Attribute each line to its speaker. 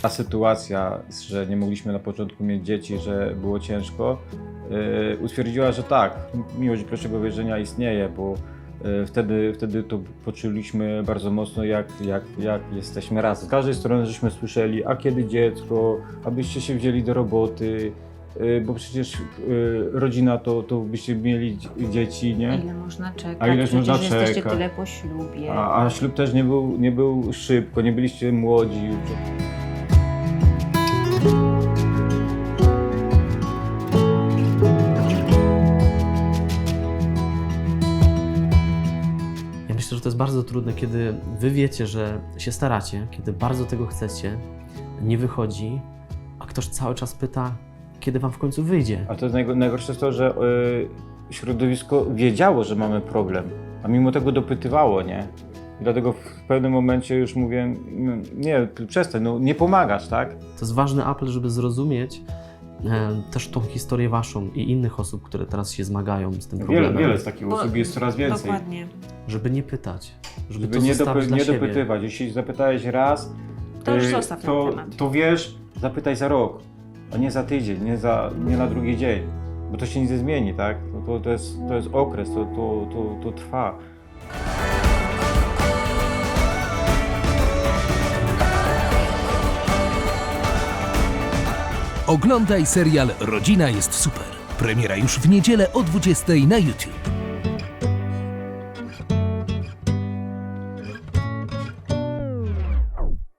Speaker 1: Ta sytuacja, że nie mogliśmy na początku mieć dzieci, że było ciężko, utwierdziła, że tak, miłość pierwszego wejrzenia istnieje, bo wtedy to poczuliśmy bardzo mocno, jak jesteśmy razem. Z każdej strony żeśmy słyszeli, a kiedy dziecko, abyście się wzięli do roboty, bo przecież rodzina to byście mieli dzieci, nie?
Speaker 2: A ile można czekać?
Speaker 1: A ileż
Speaker 2: Przecież
Speaker 1: można
Speaker 2: jesteście
Speaker 1: czekać?
Speaker 2: tyle po ślubie.
Speaker 1: A ślub też nie był szybko, nie byliście młodzi.
Speaker 3: Ja myślę, że to jest bardzo trudne, kiedy wy wiecie, że się staracie, kiedy bardzo tego chcecie, nie wychodzi, a ktoś cały czas pyta, kiedy wam w końcu wyjdzie.
Speaker 1: A to jest najgorsze jest to, że środowisko wiedziało, że mamy problem, a mimo tego dopytywało, nie? I dlatego w pewnym momencie już mówię, nie, przestań, no nie pomagasz, tak?
Speaker 3: To jest ważny apel, żeby zrozumieć też tą historię waszą i innych osób, które teraz się zmagają z tym problemem.
Speaker 1: Wiele z takich osób jest coraz więcej.
Speaker 2: Dokładnie.
Speaker 3: Żeby nie pytać, żeby
Speaker 1: Żeby
Speaker 3: to zostawić dla
Speaker 1: nie
Speaker 3: siebie.
Speaker 1: dopytywać. Jeśli zapytałeś raz,
Speaker 2: To już zostaw ten temat.
Speaker 1: to wiesz, zapytaj za rok, a nie za tydzień, nie na drugi dzień, bo to się nic nie zmieni, tak? To jest okres, to trwa.
Speaker 4: Oglądaj serial Rodzina jest super. Premiera już w niedzielę o 20:00 na YouTube.